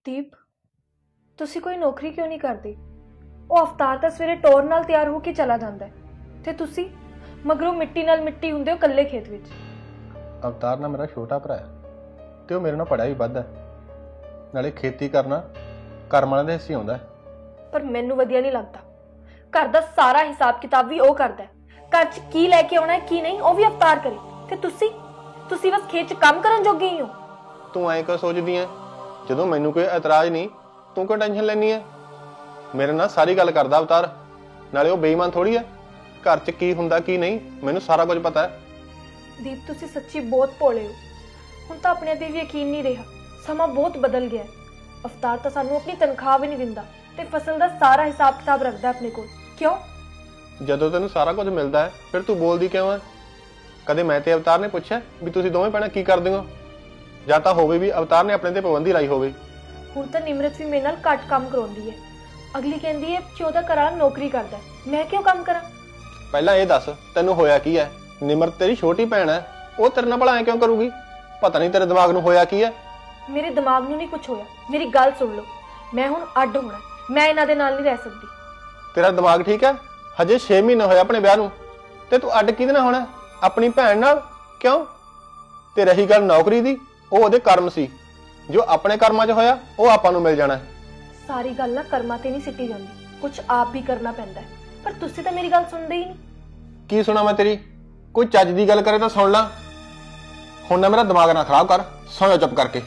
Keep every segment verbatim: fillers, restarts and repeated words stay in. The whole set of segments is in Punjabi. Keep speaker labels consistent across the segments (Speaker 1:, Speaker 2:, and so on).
Speaker 1: ਦੀਪ ਤੁਸੀਂ ਕੋਈ ਨੌਕਰੀ ਕਿਉਂ ਨਹੀਂ ਕਰਦੇ? ਉਹ ਅਵਤਾਰ ਤਾਂ ਸਵੇਰੇ ਟੌਰ ਨਾਲ ਤਿਆਰ ਹੋ ਕੇ ਚਲਾ ਜਾਂਦਾ ਹੈ ਤੇ ਤੁਸੀਂ ਮਗਰੋਂ ਮਿੱਟੀ ਨਾਲ ਮਿੱਟੀ ਹੁੰਦੇ ਹੋ ਇਕੱਲੇ ਖੇਤ ਵਿੱਚ।
Speaker 2: ਅਵਤਾਰ ਨਾ ਮੇਰਾ ਛੋਟਾ ਭਰਾ ਹੈ ਤੇ ਉਹ ਮੇਰੇ ਨਾਲ ਪੜ੍ਹਿਆ ਵੀ ਵੱਧ ਹੈ, ਨਾਲੇ ਖੇਤੀ ਕਰਨਾ ਕਰਮ ਵਾਲਿਆਂ ਦੇ ਹਿੱਸੇ ਆਉਂਦਾ ਹੈ।
Speaker 1: ਪਰ ਮੈਨੂੰ ਵਧੀਆ ਨਹੀਂ ਲੱਗਦਾ। ਘਰ ਦਾ ਸਾਰਾ ਹਿਸਾਬ ਕਿਤਾਬ ਵੀ ਉਹ ਕਰਦਾ ਹੈ, ਘਰ 'ਚ ਕੀ ਲੈ ਕੇ ਆਉਣਾ ਹੈ ਕੀ ਨਹੀਂ ਉਹ ਵੀ ਅਵਤਾਰ ਕਰੇ, ਤੇ ਤੁਸੀਂ ਤੁਸੀਂ ਬਸ ਖੇਤ 'ਚ ਕੰਮ ਕਰਨ ਜੋਗੇ ਹੀ ਹੋ।
Speaker 2: ਤੂੰ ਐਂ ਕਿਉਂ ਸੋਚਦੀ ਐ? ਜਦੋਂ ਮੈਨੂੰ ਕੋਈ ਇਤਰਾਜ਼ ਨਹੀਂ ਤੂੰ ਕਿਉਂ ਟੈਨਸ਼ਨ ਲੈਣੀ ਐ? ਮੇਰੇ ਨਾਲ ਸਾਰੀ ਗੱਲ ਕਰਦਾ ਅਵਤਾਰ, ਨਾਲੇ ਉਹ ਬੇਈਮਾਨ ਥੋੜੀ ਐ। ਘਰ 'ਚ ਕੀ ਹੁੰਦਾ ਕੀ ਨਹੀਂ ਮੈਨੂੰ ਸਾਰਾ ਕੁਝ ਪਤਾ ਹੈ।
Speaker 1: ਦੀਪ ਤੁਸੀਂ ਸੱਚੀ ਬਹੁਤ ਭੋਲੇ ਹੋ। ਹੁਣ ਤਾਂ ਆਪਣੇ ਤੇ ਵੀ ਯਕੀਨ ਨਹੀਂ ਰਿਹਾ। ਸਮਾਂ ਬਹੁਤ ਬਦਲ ਗਿਆ ਹੈ। ਅਵਤਾਰ ਤਾਂ ਸਾਨੂੰ ਆਪਣੀ ਤਨਖਾਹ ਵੀ ਨਹੀਂ ਦਿੰਦਾ ਤੇ ਫਸਲ ਦਾ ਸਾਰਾ ਹਿਸਾਬ ਕਿਤਾਬ ਰੱਖਦਾ ਆਪਣੇ ਕੋਲ। ਕਿਉਂ?
Speaker 2: ਜਦੋਂ ਤੈਨੂੰ ਸਾਰਾ ਕੁਝ ਮਿਲਦਾ ਹੈ ਫਿਰ ਤੂੰ ਬੋਲਦੀ ਕਿਉਂ ਐ? ਕਦੇ ਮੈਂ ਤੇ ਅਵਤਾਰ ਨੇ ਪੁੱਛਿਆ ਵੀ ਤੁਸੀਂ ਦੋਵੇਂ ਭੈਣਾਂ ਕੀ ਕਰਦੇ ਹੋ? ਜਾਂ ਤਾਂ ਹੋਵੇ ਵੀ ਅਵਤਾਰ ਨੇ ਆਪਣੇ ਤੇ ਪਾਬੰਦੀ ਲਾਈ ਹੋਵੇ।
Speaker 1: ਹੁਣ ਤਾਂ ਨਿਮਰਤ ਵੀ ਮੇਰੇ ਨਾਲ ਘੱਟ ਕੰਮ ਕਰਾਉਂਦੀ ਹੈ। ਅਗਲੀ ਕਹਿੰਦੀ ਹੈ ਕਿ ਉਹਦਾ ਘਰਵਾਲਾ ਨੌਕਰੀ ਕਰਦਾ ਹੈ, ਮੈਂ ਕਿਉਂ ਕੰਮ ਕਰਾਂ?
Speaker 2: ਪਹਿਲਾਂ ਇਹ ਦੱਸ ਤੈਨੂੰ ਹੋਇਆ ਕੀ ਹੈ? ਨਿਮਰਤ ਤੇਰੀ ਛੋਟੀ ਭੈਣ ਹੈ, ਉਹ ਤੇਰੇ ਨਾਲ ਭਲਾ ਐਂ ਕਿਉਂ ਕਰੂਗੀ? ਪਤਾ ਨਹੀਂ ਤੇਰੇ ਦਿਮਾਗ ਨੂੰ ਹੋਇਆ ਕੀ ਹੈ।
Speaker 1: ਮੇਰੇ ਦਿਮਾਗ ਨੂੰ ਨਹੀਂ ਕੁਝ ਹੋਇਆ। ਮੇਰੀ ਗੱਲ ਸੁਣ ਲਓ, ਮੈਂ ਹੁਣ ਅੱਡ ਹੋਣਾ, ਮੈਂ ਇਹਨਾਂ ਦੇ ਨਾਲ ਨਹੀਂ ਰਹਿ ਸਕਦੀ।
Speaker 2: ਤੇਰਾ ਦਿਮਾਗ ਠੀਕ ਹੈ? ਹਜੇ ਛੇ ਮਹੀਨੇ ਹੋਏ ਆਪਣੇ ਵਿਆਹ ਨੂੰ ਤੇ ਤੂੰ ਅੱਡ ਕਿਹਦੇ ਨਾਲ ਹੋਣਾ? ਆਪਣੀ ਭੈਣ ਨਾਲ? ਕਿਉਂ? ਤੇ ਰਹੀ ਗੱਲ ਨੌਕਰੀ ਦੀ, ਉਹ ਉਹਦੇ ਕਰਮ ਸੀ। ਜੋ ਆਪਣੇ ਕਰਮਾਂ 'ਚ ਹੋਇਆ ਉਹ ਆਪਾਂ ਨੂੰ ਮਿਲ ਜਾਣਾ।
Speaker 1: ਸਾਰੀ ਗੱਲ ਨਾ ਕਰਮਾਂ ਤੇ ਨਹੀਂ ਸਿੱਟੀ ਜਾਂਦੀ, ਕੁਝ ਆਪ ਵੀ ਕਰਨਾ ਪੈਂਦਾ ਹੈ। ਪਰ ਤੁਸੀਂ ਤਾਂ ਮੇਰੀ ਗੱਲ ਸੁਣਦੇ ਹੀ ਨਹੀਂ।
Speaker 2: ਕੀ ਸੁਣਾ ਮੈਂ ਤੇਰੀ? ਕੋਈ ਚੱਜ ਦੀ ਗੱਲ ਕਰੇ ਤਾਂ ਸੁਣ ਲਾ। ਹੁਣ ਨਾ ਮੇਰਾ ਦਿਮਾਗ ਨਾ ਖਰਾਬ ਕਰ, ਸੌਂ ਜਾ ਚੁੱਪ ਕਰਕੇ।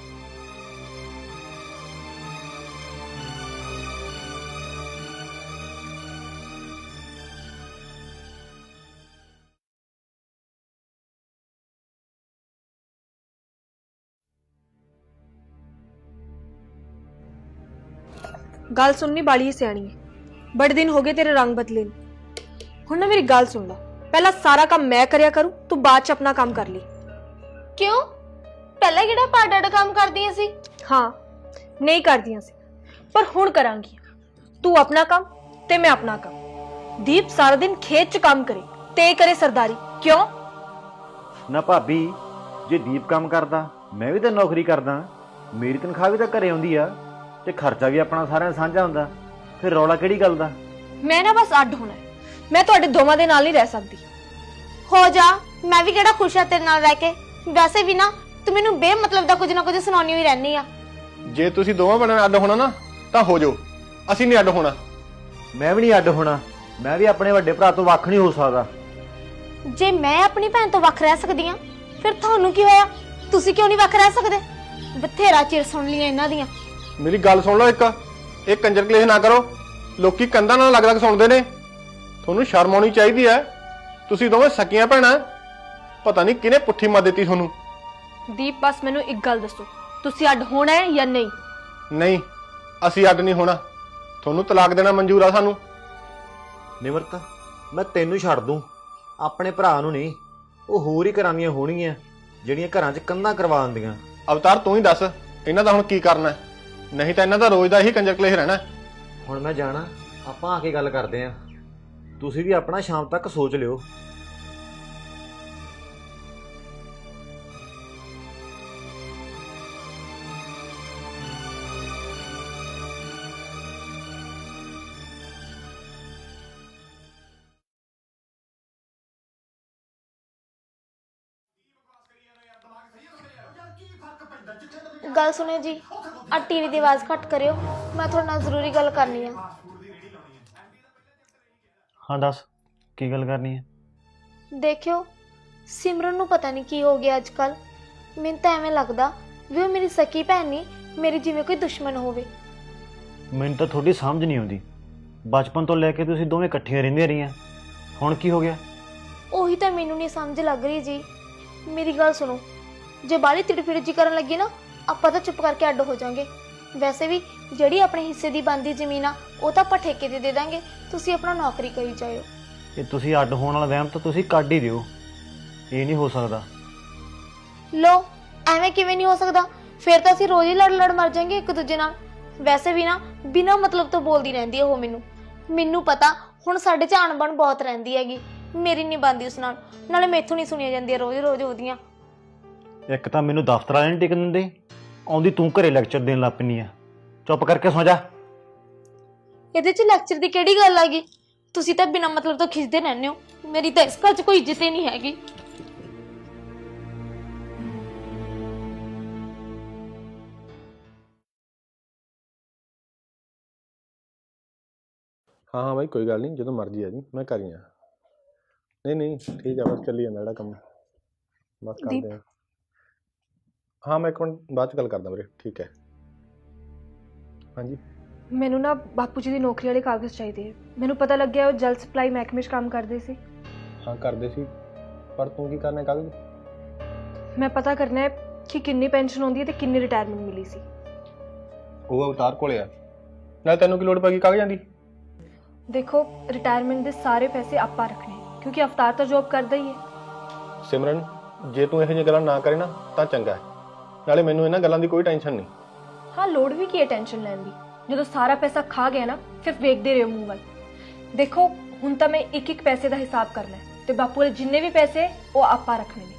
Speaker 1: ਗੱਲ ਸੁਣਨੀ ਬਾਲੀ ਸਿਆਣੀ ਹੈ। ਬੜੇ ਦਿਨ ਹੋ ਗਏ ਤੇਰੇ ਰੰਗ ਬਦਲੇ ਨੂੰ। ਹੁਣ ਨਾ ਮੇਰੀ ਗੱਲ ਸੁਣ ਲੈ, ਪਹਿਲਾਂ ਸਾਰਾ ਕੰਮ ਮੈਂ ਕਰਿਆ ਕਰੂੰ, ਤੂੰ ਬਾਅਦ 'ਚ ਆਪਣਾ ਕੰਮ ਕਰ ਲਈ।
Speaker 3: ਕਿਉਂ? ਪਹਿਲਾਂ ਕਿਹੜਾ ਪਾੜਾ ਕੰਮ ਕਰਦੀਆਂ ਸੀ?
Speaker 1: ਹਾਂ ਨਹੀਂ ਕਰਦੀਆਂ ਸੀ, ਪਰ ਹੁਣ ਕਰਾਂਗੀ। ਤੂੰ ਆਪਣਾ ਕੰਮ ਤੇ ਮੈਂ ਆਪਣਾ ਕੰਮ। ਦੀਪ ਸਾਰਾ ਦਿਨ ਖੇਤ 'ਚ ਕੰਮ ਕਰੇ ਤੇ ਕਰੇ ਸਰਦਾਰੀ। ਕਿਉਂ?
Speaker 4: ਨਾ ਭਾਬੀ, ਜੇ ਦੀਪ ਕੰਮ ਕਰਦਾ ਮੈਂ ਵੀ ਤਾਂ ਨੌਕਰੀ ਕਰਦਾ, ਮੇਰੀ ਤਨਖਾਹ ਵੀ ਤਾਂ ਘਰੇ ਆਉਂਦੀ ਆ ਤੇ ਖਰਚਾ ਵੀ ਆਪਣਾ ਸਾਰਿਆਂ ਦਾ ਸਾਂਝਾ ਹੁੰਦਾ। ਫਿਰ ਰੌਲਾ ਕਿਹੜੀ ਗੱਲ ਦਾ?
Speaker 1: ਮੈਂ ਨਾ ਬਸ ਅੱਡ ਹੋਣਾ, ਮੈਂ ਤੁਹਾਡੇ ਦੋਵਾਂ ਦੇ ਨਾਲ ਨਹੀਂ ਰਹਿ ਸਕਦੀ।
Speaker 3: ਹੋ ਜਾ, ਮੈਂ ਵੀ ਕਿਹੜਾ ਖੁਸ਼ ਆ ਤੇਰੇ ਨਾਲ ਰਹਿ ਕੇ। ਵੈਸੇ ਵੀ ਨਾ ਤੂੰ ਮੈਨੂੰ ਬੇਮਤਲਬ ਦਾ ਕੁਝ ਨਾ ਕੁਝ ਸੁਣਾਉਣੀ ਹੋਈ ਰਹਿਣੀ ਆ।
Speaker 2: ਜੇ ਤੁਸੀਂ ਦੋਵਾਂ ਭੈਣਾਂ ਅੱਡ ਹੋਣਾ ਨਾ ਤਾਂ ਹੋ ਜਾਓ, ਅਸੀਂ ਨਹੀਂ ਅੱਡ ਹੋਣਾ।
Speaker 4: ਮੈਂ ਵੀ ਨਹੀਂ ਅੱਡ ਹੋਣਾ, ਮੈਂ ਵੀ ਆਪਣੇ ਵੱਡੇ ਭਰਾ ਤੋਂ ਵੱਖ ਨਹੀਂ ਹੋ ਸਕਦਾ।
Speaker 3: ਜੇ ਮੈਂ ਆਪਣੀ ਭੈਣ ਤੋਂ ਵੱਖ ਰਹਿ ਸਕਦੀ ਆ, ਫਿਰ ਤੁਹਾਨੂੰ ਕੀ ਹੋਇਆ? ਤੁਸੀਂ ਕਿਉਂ ਨਹੀਂ ਵੱਖ ਰਹਿ ਸਕਦੇ? ਬਥੇਰਾ ਚਿਰ ਸੁਣ ਲਈਆਂ ਇਹਨਾਂ ਦੀਆਂ।
Speaker 2: ਮੇਰੀ ਗੱਲ ਸੁਣ ਲਓ, ਇੱਕ ਇਹ ਕੰਜਰ ਕਲੇਸ਼ ਨਾ ਕਰੋ। ਲੋਕੀ ਕੰਧਾਂ ਨਾਲ ਲੱਗ ਲੱਗ ਸੁਣਦੇ ਨੇ। ਤੁਹਾਨੂੰ ਸ਼ਰਮ ਆਉਣੀ ਚਾਹੀਦੀ ਹੈ। ਤੁਸੀਂ ਦੋਵੇਂ ਸਕੀਆਂ ਭੈਣਾਂ, ਪਤਾ ਨਹੀਂ ਕਿਹਨੇ ਪੁੱਠੀ ਮੱਤ ਦਿੱਤੀ ਤੁਹਾਨੂੰ।
Speaker 1: ਦੀਪ ਬਸ ਮੈਨੂੰ ਇੱਕ ਗੱਲ ਦੱਸੋ, ਤੁਸੀਂ ਅੱਡ ਹੋਣਾ ਹੈ ਜਾਂ ਨਹੀਂ?
Speaker 2: ਨਹੀਂ, ਅਸੀਂ ਅੱਡ ਨਹੀਂ ਹੋਣਾ। ਤੁਹਾਨੂੰ ਤਲਾਕ ਦੇਣਾ ਮਨਜ਼ੂਰ ਆ ਸਾਨੂੰ।
Speaker 4: ਨਿਮਰਤ, ਮੈਂ ਤੈਨੂੰ ਛੱਡ ਦੂੰ, ਆਪਣੇ ਭਰਾ ਨੂੰ ਨਹੀਂ। ਉਹ ਹੋਰ ਹੀ ਘਰਾਂ ਦੀਆਂ ਹੋਣਗੀਆਂ ਜਿਹੜੀਆਂ ਘਰਾਂ 'ਚ ਕੰਧਾਂ ਕਰਵਾ ਦਿੰਦੀਆਂ।
Speaker 2: ਅਵਤਾਰ ਤੂੰ ਹੀ ਦੱਸ ਇਹਨਾਂ ਦਾ ਹੁਣ ਕੀ ਕਰਨਾ ਹੈ? ਨਹੀਂ ਤਾਂ ਇਹਨਾਂ ਦਾ ਰੋਜ਼ ਦਾ ਹੀ ਕੰਜਰ ਕਲੇਸ਼ ਰਹਿਣਾ।
Speaker 4: ਹੁਣ ਮੈਂ ਜਾਣਾ, ਆਪਾਂ ਆ ਕੇ ਗੱਲ ਕਰਦੇ ਆਂ। ਤੁਸੀਂ ਵੀ ਆਪਣਾ ਸ਼ਾਮ ਤੱਕ ਸੋਚ ਲਿਓ।
Speaker 3: ਗੱਲ ਸੁਣਿਓ ਜੀ, ਆ ਟੀਵੀ ਦੀ ਆਵਾਜ਼ ਘੱਟ ਕਰਿਓ, ਮੈਂ ਤੁਹਾਡੇ ਨਾਲ ਜ਼ਰੂਰੀ ਗੱਲ ਕਰਨੀ ਆ।
Speaker 4: ਹਾਂ ਦੱਸ, ਕੀ ਗੱਲ ਕਰਨੀ ਹੈ?
Speaker 3: ਦੇਖਿਓ, ਸਿਮਰਨ ਨੂੰ ਪਤਾ ਨਹੀਂ ਕੀ ਹੋ ਗਿਆ ਅੱਜ ਕੱਲ। ਮੈਨੂੰ ਤਾਂ ਐਵੇਂ ਲੱਗਦਾ ਵੀ ਉਹ ਮੇਰੀ ਸਕੀ ਭੈਣ ਨਹੀਂ, ਮੇਰੀ ਜਿਵੇਂ ਕੋਈ ਦੁਸ਼ਮਣ ਹੋਵੇ।
Speaker 4: ਮੈਨੂੰ ਤਾਂ ਤੁਹਾਡੀ ਸਮਝ ਨਹੀਂ ਆਉਂਦੀ। ਬਚਪਨ ਤੋਂ ਲੈ ਕੇ ਤੁਸੀਂ ਦੋਵੇਂ ਇਕੱਠੀਆਂ ਰਹਿੰਦੀਆਂ ਰਹੀਆਂ, ਹੁਣ ਕੀ ਹੋ ਗਿਆ?
Speaker 3: ਉਹੀ ਤਾਂ ਮੈਨੂੰ ਨਹੀਂ ਸਮਝ ਲੱਗ ਰਹੀ ਜੀ। ਮੇਰੀ ਗੱਲ ਸੁਣੋ, ਜੇ ਬਾਹਲੀ ਤਿੜਫਿੜ ਜੀ ਕਰਨ ਲੱਗੀ ਨਾ, ਆਪਾਂ ਤਾਂ ਚੁੱਪ ਕਰਕੇ ਅੱਡ ਹੋ ਜਾਾਂਗੇ। ਵੈਸੇ ਵੀ ਜਿਹੜੀ ਆਪਣੇ ਹਿੱਸੇ ਦੀ ਬਣਦੀ ਜ਼ਮੀਨ ਆ ਉਹ ਤਾਂ ਆਪਾਂ ਠੇਕੇ ਤੇ ਦੇ ਦਾਂਗੇ। ਤੁਸੀਂ ਆਪਣਾ ਨੌਕਰੀ ਕਰੀ ਜਾਇਓ।
Speaker 4: ਇਹ ਤੁਸੀਂ ਅੱਡ ਹੋਣ ਵਾਲਾ ਵਹਿਮ ਤਾਂ ਤੁਸੀਂ ਕੱਢ ਹੀ ਦਿਓ। ਇਹ ਨਹੀਂ ਹੋ ਸਕਦਾ।
Speaker 3: ਲੋ, ਐਵੇਂ ਕਿਵੇਂ ਨਹੀਂ ਹੋ ਸਕਦਾ? ਫਿਰ ਤਾਂ ਅਸੀਂ ਰੋਜ਼ ਹੀ ਲੜ ਲੜ ਮਰ ਜਾਾਂਗੇ ਇੱਕ ਦੂਜੇ ਨਾਲ। ਵੈਸੇ ਵੀ ਨਾ ਬਿਨਾਂ ਮਤਲਬ ਤੋਂ ਬੋਲਦੀ ਰਹਿੰਦੀ ਹੈ ਉਹ ਮੈਨੂੰ। ਮੈਨੂੰ ਪਤਾ ਹੁਣ ਸਾਡੇ 'ਚ ਅਣਬਣ ਬਹੁਤ ਰਹਿੰਦੀ ਹੈਗੀ, ਮੇਰੀ ਨਹੀਂ ਬਣਦੀ ਉਸ ਨਾਲ। ਨਾਲੇ ਮੈਥੋਂ ਨਹੀਂ ਸੁਣੀਆਂ ਜਾਂਦੀਆਂ ਰੋਜ਼ ਰੋਜ਼ ਉਹਦੀਆਂ।
Speaker 4: ਇੱਕ ਤਾਂ ਮੈਨੂੰ ਦਫ਼ਤਰ ਵਾਲੇ ਨਹੀਂ ਟਿਕਣ ਦਿੰਦੇ, ਆਉਂਦੀ ਤੂੰ ਘਰੇ ਲੈਕਚਰ ਦੇਣ ਲੱਗ ਪੈਂਦੀ ਆ। ਚੁੱਪ ਕਰਕੇ ਸੌਂ ਜਾ।
Speaker 3: ਇਹਦੇ 'ਚ ਲੈਕਚਰ ਦੀ ਕਿਹੜੀ ਗੱਲ ਆ ਗਈ? ਤੁਸੀਂ ਤਾਂ ਬਿਨਾਂ ਮਤਲਬ ਤੋਂ ਖਿੱਚਦੇ ਰਹਿੰਦੇ ਹੋ। ਮੇਰੀ ਤਾਂ ਇਸ ਘਰ 'ਚ ਕੋਈ ਇੱਜ਼ਤ ਹੀ ਨਹੀਂ ਹੈਗੀ।
Speaker 2: ਹਾਂ ਹਾਂ ਬਾਈ ਕੋਈ ਗੱਲ ਨਹੀਂ, ਜਦੋਂ ਮਰਜ਼ੀ ਆ ਜੀ, ਮੈਂ ਕਰ ਹੀ ਆ। ਨਹੀਂ ਨਹੀਂ ਠੀਕ ਆ, ਬਸ ਚੱਲੀ ਜਾਂਦਾ ਜਿਹੜਾ ਕੰਮ, ਬਸ ਕਰਦੇ ਆ। ਹਾਂ ਮੈਂ ਇੱਕ ਮਿੰਟ ਬਾਅਦ 'ਚ ਗੱਲ ਕਰਦਾ ਵੀਰੇ, ਠੀਕ ਹੈ। ਹਾਂਜੀ
Speaker 1: ਮੈਨੂੰ ਨਾ ਬਾਪੂ ਜੀ ਦੀ ਨੌਕਰੀ ਵਾਲੇ ਕਾਗਜ਼ ਚਾਹੀਦੇ। ਮੈਨੂੰ ਪਤਾ ਲੱਗਿਆ ਉਹ ਜਲ ਸਪਲਾਈ ਮਹਿਕਮੇ 'ਚ ਕੰਮ ਕਰਦੇ ਸੀ।
Speaker 2: ਹਾਂ ਕਰਦੇ ਸੀ, ਪਰ ਤੂੰ ਕੀ ਕਰਨਾ ਕਾਗਜ਼?
Speaker 1: ਮੈਂ ਪਤਾ ਕਰਨਾ ਹੈ ਕਿ ਕਿੰਨੀ ਪੈਨਸ਼ਨ ਆਉਂਦੀ ਹੈ ਤੇ ਕਿੰਨੀ ਰਿਟਾਇਰਮੈਂਟ ਮਿਲੀ ਸੀ।
Speaker 2: ਉਹ ਅਵਤਾਰ ਕੋਲੇ ਆ, ਨਾਲੇ ਤੈਨੂੰ ਕੀ ਲੋੜ ਪੈ ਗਈ ਕਾਗਜ਼ਾਂ ਦੀ?
Speaker 1: ਦੇਖੋ ਰਿਟਾਇਰਮੈਂਟ ਦੇ ਸਾਰੇ ਪੈਸੇ ਆਪਾਂ ਰੱਖਣੇ, ਕਿਉਂਕਿ ਅਵਤਾਰ ਤਾਂ ਜੌਬ ਕਰਦਾ ਹੀ ਹੈ।
Speaker 2: ਸਿਮਰਨ ਜੇ ਤੂੰ ਇਹੋ ਜਿਹੀਆਂ ਗੱਲਾਂ ਨਾ ਕਰੇ ਨਾ ਤਾਂ ਚੰਗਾ ਹੈ, ਨਾਲੇ ਮੈਨੂੰ ਇਹਨਾਂ ਗੱਲਾਂ ਦੀ ਕੋਈ ਟੈਨਸ਼ਨ ਨਹੀਂ।
Speaker 1: ਹਾਂ ਲੋੜ ਵੀ ਕੀ ਹੈ ਟੈਨਸ਼ਨ ਲੈਣ ਦੀ, ਜਦੋਂ ਸਾਰਾ ਪੈਸਾ ਖਾ ਗਿਆ ਨਾ ਫਿਰ ਵੇਖਦੇ ਰਹੋ ਮੂੰਹ ਵੱਲ। ਦੇਖੋ ਹੁਣ ਤਾਂ ਮੈਂ ਇੱਕ ਇੱਕ ਪੈਸੇ ਦਾ ਹਿਸਾਬ ਕਰਨਾ ਹੈ ਤੇ ਬਾਪੂ ਦੇ ਜਿੰਨੇ ਵੀ ਪੈਸੇ ਉਹ ਆਪਾਂ ਰੱਖਣੇ ਨੇ।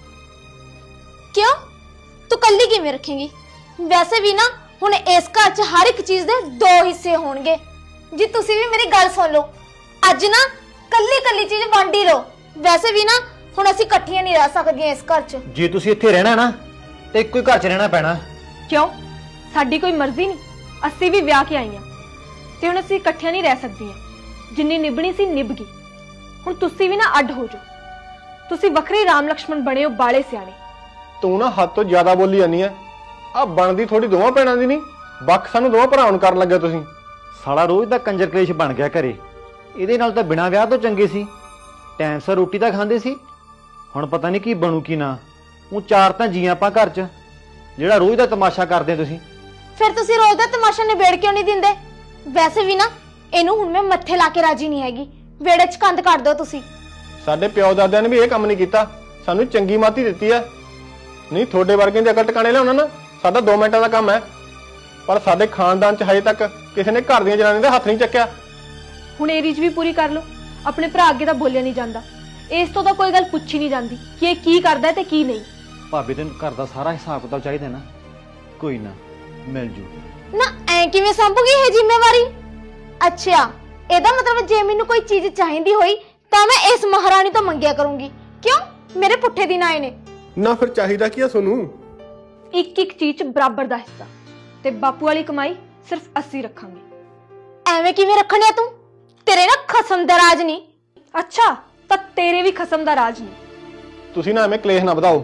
Speaker 3: ਕਿਉਂ? ਤੂੰ ਕੱਲੀ ਕਿਵੇਂ ਰੱਖੇਂਗੀ? ਵੈਸੇ ਵੀ ਨਾ ਹੁਣ ਇਸ ਘਰ 'ਚ ਹਰ ਇੱਕ ਚੀਜ਼ ਦੇ ਦੋ ਹਿੱਸੇ ਹੋਣਗੇ। ਜੀ ਤੁਸੀਂ ਵੀ ਮੇਰੀ ਗੱਲ ਸੁਣ ਲਓ, ਅੱਜ ਨਾ ਕੱਲੀ ਕੱਲੀ ਚੀਜ਼ ਵੰਡ ਹੀ ਲਓ। ਵੈਸੇ ਵੀ ਨਾ ਹੁਣ ਅਸੀਂ ਇਕੱਠੀਆਂ ਨਹੀਂ ਰਹਿ ਸਕਦੀਆਂ ਇਸ ਘਰ 'ਚ।
Speaker 4: ਜੇ ਤੁਸੀਂ ਇੱਥੇ ਰਹਿਣਾ ਨਾ ਤੇ ਇੱਕੋ ਹੀ ਘਰ 'ਚ ਰਹਿਣਾ ਪੈਣਾ।
Speaker 1: ਕਿਉਂ? ਸਾਡੀ ਕੋਈ ਮਰਜ਼ੀ ਨਹੀਂ, ਅਸੀਂ ਵੀ ਵਿਆਹ ਕੇ ਆਈਆਂ ਤੇ ਹੁਣ ਅਸੀਂ ਇਕੱਠੀਆਂ ਨਹੀਂ ਰਹਿ ਸਕਦੀਆਂ। ਜਿੰਨੀ ਨਿਭਣੀ ਸੀ ਨਿਭ ਗਈ, ਹੁਣ ਤੁਸੀਂ ਵੀ ਨਾ ਅੱਡ ਹੋ ਜਾਓ। ਤੁਸੀਂ ਵੱਖਰੇ ਰਾਮ ਲక్ష్మణ ਬਣੇ ਹੋ, ਬਾਲੇ ਸਿਆਣੇ।
Speaker 2: ਤੂੰ ਨਾ ਹੱਦ ਤੋਂ ਜ਼ਿਆਦਾ ਬੋਲੀ ਜਾਂਦੀ ਐ। ਆ ਬਣਦੀ ਥੋੜੀ ਦੋਵਾਂ ਭੈਣਾਂ ਦੀ ਨਹੀਂ, ਵੱਖ ਸਾਨੂੰ ਦੋਵਾਂ ਭਰਾਵਾਂ ਨੂੰ ਕਰਨ ਲੱਗੇ ਤੁਸੀਂ।
Speaker 4: ਸਾਲਾ ਰੋਜ਼ ਦਾ ਕੰਜਰ ਕਲੇਸ਼ ਬਣ ਗਿਆ ਘਰੇ। ਇਹਦੇ ਨਾਲ ਤਾਂ ਬਿਨਾਂ ਵਿਆਹ ਤੋਂ ਚੰਗੇ ਸੀ, ਟਾਈਮ ਸਿਰ ਰੋਟੀ ਤਾਂ ਖਾਂਦੇ ਸੀ। ਹੁਣ ਪਤਾ ਨਹੀਂ ਕੀ ਬਣੂ ਕੀ ਨਾ। ਉਹ ਚਾਰ ਤਾਂ ਜੀ ਆਪਾਂ ਘਰ 'ਚ, ਜਿਹੜਾ ਰੋਜ਼ ਦਾ ਤਮਾਸ਼ਾ ਕਰਦੇ ਤੁਸੀਂ।
Speaker 3: ਫਿਰ ਤੁਸੀਂ ਰੋਜ਼ ਦਾ ਤਮਾਸ਼ਾ ਨਿਬੇੜ ਕਿਉਂ ਨਹੀਂ ਦਿੰਦੇ? ਵੈਸੇ ਵੀ ਨਾ ਇਹਨੂੰ ਹੁਣ ਮੈਂ ਮੱਥੇ ਲਾ ਕੇ ਰਾਜੀ ਨਹੀਂ ਹੈਗੀ। ਵਿਹੜੇ 'ਚ ਕੰਧ ਕੱਢ ਦਿਓ ਤੁਸੀਂ।
Speaker 2: ਸਾਡੇ ਪਿਓ ਦਾਦਿਆਂ ਨੇ ਵੀ ਇਹ ਕੰਮ ਨਹੀਂ ਕੀਤਾ, ਸਾਨੂੰ ਚੰਗੀ ਮਾਤੀ ਦਿੱਤੀ ਐ। ਨਹੀਂ ਤੁਹਾਡੇ ਵਰਗੇ ਦੇ ਅਕਲ ਟਿਕਾਣੇ ਲਿਆਉਣਾ ਨਾ ਸਾਡਾ ਦੋ ਮਿੰਟਾਂ ਦਾ ਕੰਮ ਹੈ, ਪਰ ਸਾਡੇ ਖਾਨਦਾਨ 'ਚ ਹਜੇ ਤੱਕ ਕਿਸੇ ਨੇ ਘਰ ਦੀਆਂ ਜਨਾਨੀਆਂ ਦਾ ਹੱਥ ਨਹੀਂ ਚੱਕਿਆ।
Speaker 1: ਹੁਣ ਇਹ ਰੀਝ ਵੀ ਪੂਰੀ ਕਰ ਲਓ। ਆਪਣੇ ਭਰਾ ਅੱਗੇ ਤਾਂ ਬੋਲਿਆ ਨਹੀਂ ਜਾਂਦਾ, ਇਸ ਤੋਂ ਤਾਂ ਕੋਈ ਗੱਲ ਪੁੱਛੀ ਨਹੀਂ ਜਾਂਦੀ ਕਿ ਇਹ ਕੀ ਕਰਦਾ ਤੇ ਕੀ ਨਹੀਂ।
Speaker 4: ਭਾਬੀ ਤੈਨੂੰ ਘਰ ਦਾ ਸਾਰਾ ਹਿਸਾਬ ਕਿਤਾਬ ਚਾਹੀਦਾ ਨਾ, ਕੋਈ ਨਾ ਮਿਲ ਜੂ।
Speaker 3: ਨਾ ਐ ਕਿਵੇਂ ਸੰਭੂਗੀ ਇਹ ਜ਼ਿੰਮੇਵਾਰੀ? ਅੱਛਾ ਇਹਦਾ ਮਤਲਬ ਜੇ ਮੈਨੂੰ ਕੋਈ ਚੀਜ਼ ਚਾਹੀਦੀ ਹੋਈ ਤਾਂ ਮੈਂ ਇਸ ਮਹਾਰਾਣੀ ਤੋਂ ਮੰਗਿਆ ਕਰੂੰਗੀ। ਕਿਉਂ? ਮੇਰੇ ਪੁੱਠੇ ਦਿਨ ਆਏ ਨੇ
Speaker 2: ਨਾ। ਫਿਰ ਚਾਹੀਦਾ ਕੀ ਆ ਤੁਹਾਨੂੰ?
Speaker 1: ਇੱਕ ਇੱਕ ਚੀਜ਼ 'ਚ ਬਰਾਬਰ ਦਾ ਹਿੱਸਾ, ਤੇ ਬਾਪੂ ਵਾਲੀ ਕਮਾਈ ਸਿਰਫ ਅਸੀਂ ਰੱਖਾਂਗੇ।
Speaker 3: ਐਵੇਂ ਕਿਵੇਂ ਰੱਖਣਿਆ ਤੂੰ? ਤੇਰੇ ਨਾ ਖਸਮ ਦਾ ਰਾਜ ਨਹੀਂ।
Speaker 1: ਅੱਛਾ ਤਾਂ ਤੇਰੇ ਵੀ ਖਸਮ ਦਾ ਰਾਜ ਨਹੀਂ।
Speaker 2: ਤੁਸੀਂ ਨਾ ਐਵੇਂ ਕਲੇਸ਼ ਨਾ ਵਧਾਓ,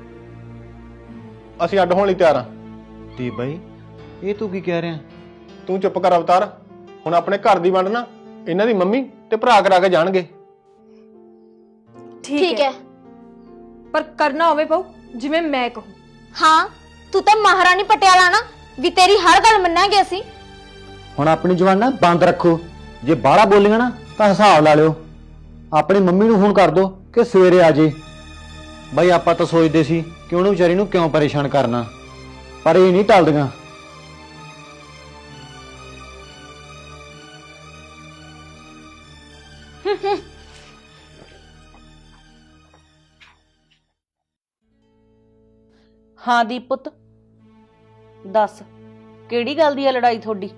Speaker 2: ਅਸੀਂ ਅੱਡ ਹੋਣ ਲਈ ਤਿਆਰ ਆ।
Speaker 4: ਤੇ ਬਾਈ ਇਹ ਤੂੰ ਕੀ ਕਹਿ ਰਿਹਾ?
Speaker 2: ਤੂੰ ਚੁੱਪ ਕਰ ਅਵਤਾਰ। ਹੁਣ ਆਪਣੇ ਘਰ ਦੀ ਵੰਡ ਨਾ ਇਹਨਾਂ ਦੀ ਮੰਮੀ ਤੇ ਭਰਾ ਕਰਾ ਕੇ ਜਾਣਗੇ।
Speaker 3: ਠੀਕ ਹੈ,
Speaker 1: ਪਰ ਕਰਨਾ ਹੋਵੇ ਪਾਉ ਜਿਵੇਂ ਮੈਂ ਕਹੂੰ।
Speaker 3: ਹਾਂ ਤੂੰ ਤਾਂ ਮਹਾਰਾਣੀ ਪਟਿਆਲਾ ਨਾ, ਵੀ ਤੇਰੀ ਹਰ ਗੱਲ ਮੰਨਾਂਗੇ ਅਸੀਂ।
Speaker 4: ਹੁਣ ਆਪਣੀ ਜ਼ੁਬਾਨ ਨਾ ਬੰਦ ਰੱਖੋ, ਜੇ ਬਾਹਲਾ ਬੋਲੀਆਂ ਨਾ ਤਾਂ ਹਿਸਾਬ ਲਾ ਲਿਓ। ਆਪਣੀ ਮੰਮੀ ਨੂੰ ਫੋਨ ਕਰ ਦੋ ਕਿ ਸਵੇਰੇ ਆ ਜੇ। ਬਾਈ ਆਪਾਂ ਤਾਂ ਸੋਚਦੇ ਸੀ ਕਿ ਉਹਨੂੰ ਵਿਚਾਰੀ ਨੂੰ ਕਿਉਂ ਪਰੇਸ਼ਾਨ ਕਰਨਾ, ਪਰ ਇਹ ਨਹੀਂ ਟਲਦੀਆਂ।
Speaker 5: ਹਾਂ ਦੀਪ ਪੁੱਤ ਦੱਸ, ਕਿਹੜੀ ਗੱਲ ਦੀ ਹੈ ਲੜਾਈ ਤੁਹਾਡੀ?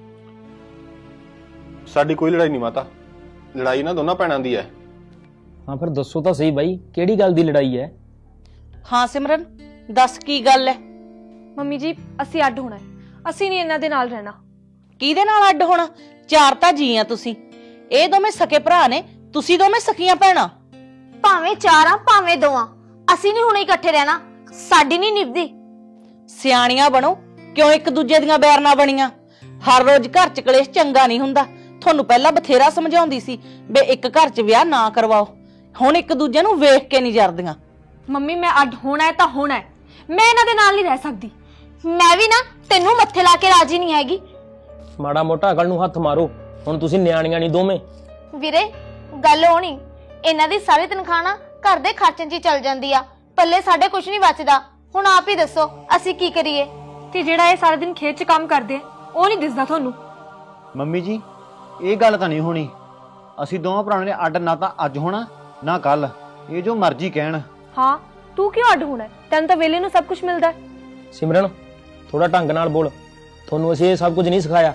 Speaker 2: ਸਾਡੀ ਕੋਈ ਲੜਾਈ ਨਹੀਂ ਮਾਤਾ, ਲੜਾਈ ਨਾ ਦੋਨਾਂ ਭੈਣਾਂ ਦੀ ਹੈ।
Speaker 6: ਹਾਂ ਫਿਰ ਦੱਸੋ ਤਾਂ ਸਹੀ ਬਾਈ, ਕਿਹੜੀ ਗੱਲ ਦੀ ਲੜਾਈ ਹੈ?
Speaker 5: ਹਾਂ ਸਿਮਰਨ ਦੱਸ ਕੀ ਗੱਲ ਹੈ?
Speaker 1: ਮੰਮੀ ਜੀ ਅਸੀਂ ਅੱਡ ਹੋਣਾ ਹੈ, ਅਸੀਂ ਨਹੀਂ ਇਹਨਾਂ ਦੇ ਨਾਲ ਰਹਿਣਾ।
Speaker 5: ਕਿਹਦੇ ਨਾਲ ਅੱਡ ਹੋਣਾ? ਚਾਰ ਤਾਂ ਜੀ ਆ ਤੁਸੀਂ, ਇਹ ਦੋਵੇਂ ਸਕੇ ਭਰਾ ਨੇ, ਤੁਸੀਂ ਦੋਵੇਂ ਸਕੀਆਂ ਭੈਣਾਂ।
Speaker 3: ਭਾਵੇਂ ਚਾਰ ਆ ਭਾਵੇਂ ਦੋ ਆ, ਅਸੀਂ ਨਹੀਂ ਹੁਣ ਇਕੱਠੇ ਰਹਿਣਾ, ਸਾਡੀ ਨਹੀਂ ਨਿਭਦੀ।
Speaker 5: ਸਿਆਣੀਆਂ ਬਣੋ, ਕਿਉਂ ਇੱਕ ਦੂਜੇ ਦੀਆਂ ਬੈਰ ਨਾ ਬਣੀਆਂ। ਹਰ ਰੋਜ਼ ਘਰ ਚ ਕਲੇਸ਼ ਚੰਗਾ ਨਹੀਂ ਹੁੰਦਾ। ਤੁਹਾਨੂੰ ਪਹਿਲਾਂ ਬਥੇਰਾ ਸਮਝਾਉਂਦੀ ਸੀ ਬੇ ਇੱਕ ਘਰ ਚ ਵਿਆਹ ਨਾ ਕਰਵਾਓ, ਹੁਣ ਇੱਕ ਦੂਜੇ ਨੂੰ ਵੇਖ ਕੇ ਨਹੀਂ ਜਰਦੀਆਂ।
Speaker 1: ਮੰਮੀ ਮੈਂ ਅੱਡ ਹੋਣਾ ਹੈ ਤਾਂ ਹੋਣਾ ਹੈ, ਮੈਂ ਇਹਨਾਂ ਦੇ ਨਾਲ ਨਹੀਂ ਰਹਿ ਸਕਦੀ।
Speaker 3: ਮੈਂ ਵੀ ਨਾ ਤੈਨੂੰ ਮੱਥੇ ਲਾ ਕੇ ਰਾਜੀ ਨਹੀਂ ਹੈਗੀ।
Speaker 6: ਮਾੜਾ ਮੋਟਾ ਅਕਲ ਨੂੰ ਹੱਥ ਮਾਰੋ, ਹੁਣ ਤੁਸੀਂ ਨਿਆਣੀਆਂ ਨਹੀਂ ਦੋਵੇਂ।
Speaker 3: ਵੀਰੇ ਗੱਲ ਹੋਣੀ, ਇਹਨਾਂ ਦੀ ਸਾਰੀ ਤਨਖਾਹ ਨਾ ਘਰ ਦੇ ਖਰਚਾਂ 'ਚ ਹੀ ਚੱਲ ਜਾਂਦੀ ਆ, ਪੱਲੇ ਸਾਡੇ ਕੁਝ ਨਹੀਂ ਬਚਦਾ। ਹੁਣ ਆਪ ਹੀ ਦੱਸੋ ਅਸੀਂ ਕੀ ਕਰੀਏ?
Speaker 1: ਤੇ ਜਿਹੜਾ ਇਹ ਸਾਰਾ ਦਿਨ ਖੇਤ 'ਚ ਕੰਮ ਕਰਦੇ ਆ ਉਹ ਨਹੀਂ ਦਿਸਦਾ ਤੁਹਾਨੂੰ?
Speaker 4: ਮੰਮੀ ਜੀ ਇਹ ਗੱਲ ਤਾਂ ਨਹੀਂ ਹੋਣੀ। ਅਸੀਂ ਦੋਵਾਂ ਭਰਾਵਾਂ ਨੇ ਅੱਡ ਨਾ ਤਾਂ ਅੱਜ ਹੋਣਾ ਨਾ ਕੱਲ, ਇਹ ਜੋ ਮਰਜ਼ੀ ਕਹਿਣ।
Speaker 1: ਹਾਂ ਤੂੰ ਕਿਉਂ ਅੱਡ ਹੋਣਾ ਹੈ? ਤੈਨੂੰ ਤਾਂ ਵੇਲੇ ਨੂੰ ਸਭ ਕੁਝ ਮਿਲਦਾ ਹੈ।
Speaker 6: ਸਿਮਰਨ ਥੋੜਾ ਢੰਗ ਨਾਲ ਬੋਲ, ਤੁਹਾਨੂੰ ਅਸੀਂ ਇਹ ਸਭ ਕੁਝ ਨਹੀਂ ਸਿਖਾਇਆ।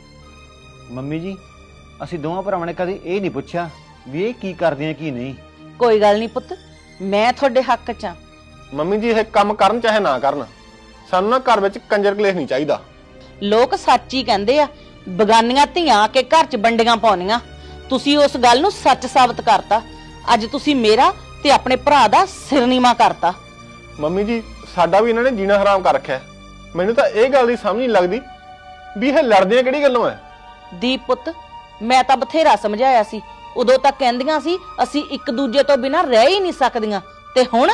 Speaker 4: ਮੰਮੀ ਜੀ ਅਸੀਂ ਦੋਵਾਂ ਭਰਾਵਾਂ ਨੇ ਕਦੇ ਇਹ ਨਹੀਂ ਪੁੱਛਿਆ ਵੀ ਇਹ ਕੀ ਕਰਦੇ ਆ ਕੀ ਨਹੀਂ।
Speaker 5: ਕੋਈ ਗੱਲ ਨਹੀਂ ਪੁੱਤ, ਮੈਂ ਤੁਹਾਡੇ ਹੱਕ 'ਚ ਆਂ।
Speaker 2: ਮੰਮੀ ਜੀ ਇਹ ਕੰਮ ਕਰਨ ਚਾਹੇ ਨਾ ਕਰਨ, ਸਾਨੂੰ ਨਾ ਘਰ ਵਿੱਚ ਕੰਜਰ ਕਲੇਸ਼ ਨਹੀਂ ਚਾਹੀਦਾ।
Speaker 5: ਲੋਕ ਸੱਚ ਹੀ ਕਹਿੰਦੇ ਆ, ਬਗਾਨੀਆਂ ਧੀਆਂ ਆ ਕੇ ਘਰ 'ਚ ਵੰਡੀਆਂ ਪਾਉਣੀਆਂ। ਤੁਸੀਂ ਉਸ ਗੱਲ ਨੂੰ ਸੱਚ ਸਾਬਤ ਕਰਤਾ। ਅੱਜ ਤੁਸੀਂ ਮੇਰਾ ਤੇ ਆਪਣੇ ਭਰਾ ਦਾ ਸਿਰ ਨੀਵਾਂ ਕਰਤਾ।
Speaker 2: ਮੰਮੀ ਜੀ ਸਾਡਾ ਵੀ ਇਹਨਾਂ ਨੇ ਜੀਣਾ ਹਰਾਮ ਕਰ ਰੱਖਿਆ। ਮੈਨੂੰ ਤਾਂ ਇਹ ਗੱਲ ਦੀ ਸਮਝ ਨਹੀਂ ਲੱਗਦੀ ਵੀ ਇਹ ਲੜਦੀਆਂ ਕਿਹੜੀ ਗੱਲੋਂ ਐ।
Speaker 5: ਦੀਪ ਪੁੱਤ, ਮੈਂ ਤਾਂ ਬਥੇਰਾ ਸਮਝਾਇਆ ਸੀ, ਉਦੋਂ ਤੱਕ ਕਹਿੰਦੀਆਂ ਸੀ ਅਸੀਂ ਇੱਕ ਦੂਜੇ ਤੋਂ ਬਿਨਾਂ ਰਹਿ ਹੀ ਨਹੀਂ ਸਕਦੀਆਂ, ਤੇ ਹੁਣ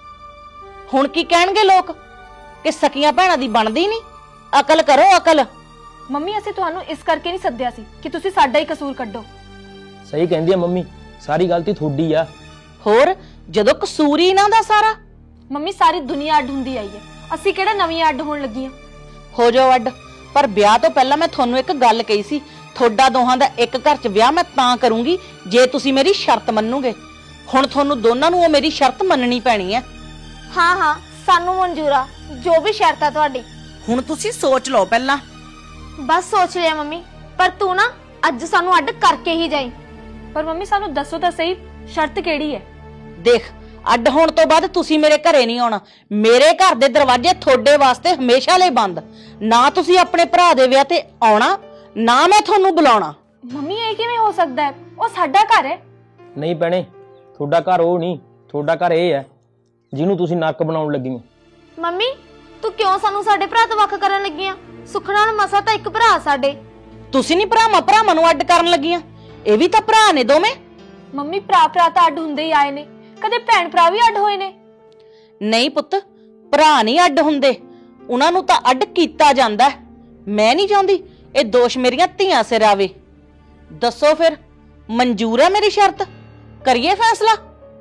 Speaker 5: ਹੁਣ ਕੀ ਕਹਿਣਗੇ ਲੋਕ ਕਿ ਸਕੀਆਂ ਭੈਣਾਂ ਦੀ ਬਣਦੀ ਨਹੀਂ। ਅਕਲ ਕਰੋ ਅਕਲ।
Speaker 1: ਮੰਮੀ ਅਸੀਂ ਤੁਹਾਨੂੰ ਇਸ ਕਰਕੇ ਨਹੀਂ ਸੱਦਿਆ ਸੀ ਕਿ ਤੁਸੀਂ ਸਾਡਾ ਹੀ ਕਸੂਰ ਕੱਢੋ।
Speaker 6: ਸਹੀ ਕਹਿੰਦੀ ਆ ਮੰਮੀ, ਸਾਰੀ ਗਲਤੀ ਤੁਹਾਡੀ ਆ।
Speaker 5: ਹੋਰ ਜਦੋਂ ਕਸੂਰ ਹੀ ਇਹਨਾਂ ਦਾ ਸਾਰਾ।
Speaker 1: ਮੰਮੀ ਸਾਰੀ ਦੁਨੀਆ ਅੱਡ ਹੁੰਦੀ ਆਈ ਹੈ, ਅਸੀਂ ਕਿਹੜਾ ਨਵੀਆਂ ਅੱਡ ਹੋਣ ਲੱਗੀਆਂ।
Speaker 5: ਹੋ ਜਾਓ ਅੱਡ, ਪਰ ਵਿਆਹ ਤੋਂ ਪਹਿਲਾਂ ਮੈਂ ਤੁਹਾਨੂੰ ਇੱਕ ਗੱਲ ਕਹੀ ਸੀ, ਤੁਹਾਡਾ ਦੋਹਾਂ ਦਾ ਇੱਕ ਘਰ 'ਚ ਵਿਆਹ ਮੈਂ ਤਾਂ ਕਰੂੰਗੀ ਜੇ ਤੁਸੀਂ ਮੇਰੀ ਸ਼ਰਤ ਮੰਨੋਗੇ। ਹੁਣ ਤੁਹਾਨੂੰ ਦੋਨਾਂ ਨੂੰ ਉਹ ਮੇਰੀ ਸ਼ਰਤ ਮੰਨਣੀ ਪੈਣੀ ਹੈ।
Speaker 3: ਹਾਂ ਹਾਂ ਸਾਨੂੰ ਮਨਜ਼ੂਰ ਆ, ਜੋ ਵੀ ਸ਼ਰਤ ਆ ਤੁਹਾਡੀ।
Speaker 5: ਹੁਣ ਤੁਸੀਂ ਸੋਚ ਲਓ ਪਹਿਲਾਂ।
Speaker 3: ਬਸ ਸੋਚ ਲਿਆ ਮੰਮੀ, ਪਰ ਤੂੰ ਨਾ ਅੱਜ ਸਾਨੂੰ ਅੱਡ ਕਰਕੇ ਹੀ ਜਾਈ।
Speaker 1: ਪਰ ਮੰਮੀ ਸਾਨੂੰ ਦੱਸੋ ਤਾਂ ਸਹੀ, ਸ਼ਰਤ ਕਿਹੜੀ ਹੈ?
Speaker 5: ਦੇਖ, ਅੱਡ ਹੋਣ ਤੋਂ ਬਾਅਦ ਤੁਸੀਂ ਮੇਰੇ ਘਰੇ ਨਹੀਂ ਆਉਣਾ। ਮੇਰੇ ਘਰ ਦੇ ਦਰਵਾਜ਼ੇ ਤੁਹਾਡੇ ਵਾਸਤੇ ਹਮੇਸ਼ਾ ਲਈ ਬੰਦ। ਨਾ ਤੁਸੀਂ ਆਪਣੇ ਭਰਾ ਦੇ ਵਿਆਹ ਤੇ ਆਉਣਾ, ਨਾ ਮੈਂ ਤੁਹਾਨੂੰ ਬੁਲਾਉਣਾ।
Speaker 1: ਮੰਮੀ ਇਹ ਕਿਵੇਂ ਹੋ ਸਕਦਾ ਹੈ? ਉਹ ਸਾਡਾ ਘਰ ਹੈ।
Speaker 6: ਨਹੀਂ ਭੈਣੇ, ਤੁਹਾਡਾ ਘਰ ਉਹ ਨਹੀਂ, ਤੁਹਾਡਾ ਘਰ ਇਹ ਹੈ ਜਿਹਨੂੰ ਤੁਸੀਂ ਨੱਕ ਬਣਾਉਣ ਲੱਗੀ ਹੋ।
Speaker 3: ਮੰਮੀ ਤੂੰ ਕਿਉਂ ਸਾਨੂੰ ਸਾਡੇ ਭਰਾ ਤੋਂ ਵੱਖ ਕਰਨ ਲੱਗੀ ਆ? ਸੁੱਖ ਨਾਲ ਮਸਾ ਤਾਂ ਇੱਕ ਭਰਾ ਸਾਡੇ।
Speaker 5: ਤੁਸੀਂ ਨਹੀਂ ਭਰਾਵਾਂ ਭਰਾਵਾਂ ਨੂੰ ਅੱਡ ਕਰਨ ਲੱਗੀਆਂ, ਇਹ ਵੀ ਤਾਂ ਭਰਾ ਨੇ ਦੋਵੇਂ।
Speaker 1: ਮੰਮੀ ਭਰਾ ਭਰਾ ਤਾਂ ਅੱਡ ਹੁੰਦੇ ਹੀ ਆਏ ਨੇ, ਕਦੇ ਭੈਣ ਭਰਾ ਵੀ ਅੱਡ ਹੋਏ ਨੇ?
Speaker 5: ਨਹੀਂ ਪੁੱਤ, ਭਰਾ ਨਹੀਂ ਅੱਡ ਹੁੰਦੇ, ਉਹਨਾਂ ਨੂੰ ਤਾਂ ਅੱਡ ਕੀਤਾ ਜਾਂਦਾ। ਮੈਂ ਨਹੀਂ ਚਾਹੁੰਦੀ ਇਹ ਦੋਸ਼ ਮੇਰੀਆਂ ਧੀਆਂ ਸਿਰ ਆਵੇ। ਦੱਸੋ ਫਿਰ, ਮਨਜ਼ੂਰ ਹੈ ਮੇਰੀ ਸ਼ਰਤ? ਕਰੀਏ ਫੈਸਲਾ?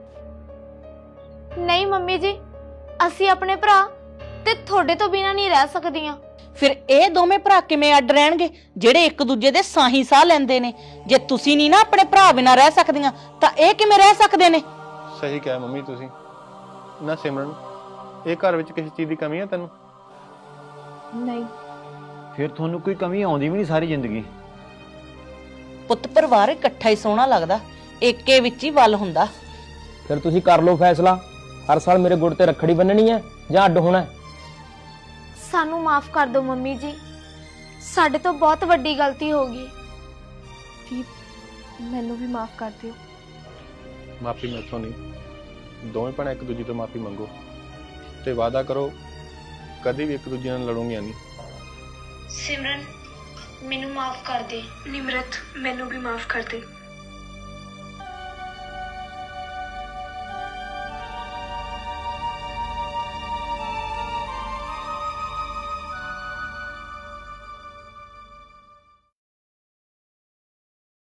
Speaker 3: ਨਹੀਂ ਮੰਮੀ ਜੀ, ਅਸੀਂ ਆਪਣੇ ਭਰਾ ਤੇ ਤੁਹਾਡੇ ਤੋਂ ਬਿਨਾਂ ਨਹੀਂ ਰਹਿ ਸਕਦੀਆਂ।
Speaker 5: ਫਿਰ ਇਹ ਦੋਵੇਂ ਭਰਾ ਕਿਵੇਂ ਅੱਡ ਰਹਿਣਗੇ ਜਿਹੜੇ ਇੱਕ ਦੂਜੇ ਦੇ ਸਾਹੀ ਸਾਹ ਲੈਂਦੇ ਨੇ? ਜੇ ਤੁਸੀਂ ਨਹੀਂ ਨਾ ਆਪਣੇ ਭਰਾ ਬਿਨਾਂ ਰਹਿ ਸਕਦੀਆਂ ਤਾਂ ਇਹ ਕਿਵੇਂ ਰਹਿ ਸਕਦੇ ਨੇ?
Speaker 2: ਸਹੀ ਕਿਹਾ ਮੰਮੀ ਤੁਸੀਂ। ਨਾ ਸਿਮਰਨ, ਇਹ ਘਰ ਵਿੱਚ ਕਿਸੇ ਚੀਜ਼ ਦੀ ਕਮੀ ਹੈ ਤੈਨੂੰ?
Speaker 1: ਨਹੀਂ।
Speaker 4: ਫਿਰ ਤੁਹਾਨੂੰ ਕੋਈ ਕਮੀ ਆਉਂਦੀ ਵੀ ਨਹੀਂ ਸਾਰੀ ਜ਼ਿੰਦਗੀ।
Speaker 5: ਪੁੱਤ ਪਰਿਵਾਰ ਇਕੱਠਾ ਹੀ ਸੋਹਣਾ ਲੱਗਦਾ, ਏਕੇ ਵਿੱਚ ਹੀ ਵੱਲ ਹੁੰਦਾ।
Speaker 6: ਫਿਰ ਤੁਸੀਂ ਕਰ ਲਓ ਫੈਸਲਾ, ਹਰ ਸਾਲ ਮੇਰੇ ਗੁੜ ਤੇ ਰੱਖੜੀ ਬੰਨਣੀ ਹੈ ਜਾਂ ਅੱਡ ਹੋਣਾ ਹੈ?
Speaker 3: ਸਾਨੂੰ ਮਾਫ ਕਰ ਦਿਓ ਮੰਮੀ ਜੀ, ਸਾਡੇ ਤੋਂ ਬਹੁਤ ਵੱਡੀ ਗਲਤੀ ਹੋ ਗਈ।
Speaker 1: ਦੀਪ ਮੈਨੂੰ ਵੀ ਮਾਫ ਕਰ ਦਿਓ।
Speaker 2: ਮਾਫੀ ਮੈਥੋਂ ਨਹੀਂ, ਦੋਵੇਂ ਭੈਣਾਂ ਇੱਕ ਦੂਜੇ ਤੋਂ ਮਾਫੀ ਮੰਗੋ ਤੇ ਵਾਅਦਾ ਕਰੋ ਕਦੀ ਵੀ ਇੱਕ ਦੂਜੇ ਨਾਲ ਲੜੋਗੀਆਂ ਨਹੀਂ।
Speaker 3: ਸਿਮਰਨ ਮੈਨੂੰ ਮਾਫ ਕਰ ਦੇ।
Speaker 1: ਨਿਮਰਤ ਮੈਨੂੰ ਵੀ ਮਾਫ ਕਰ ਦੇ।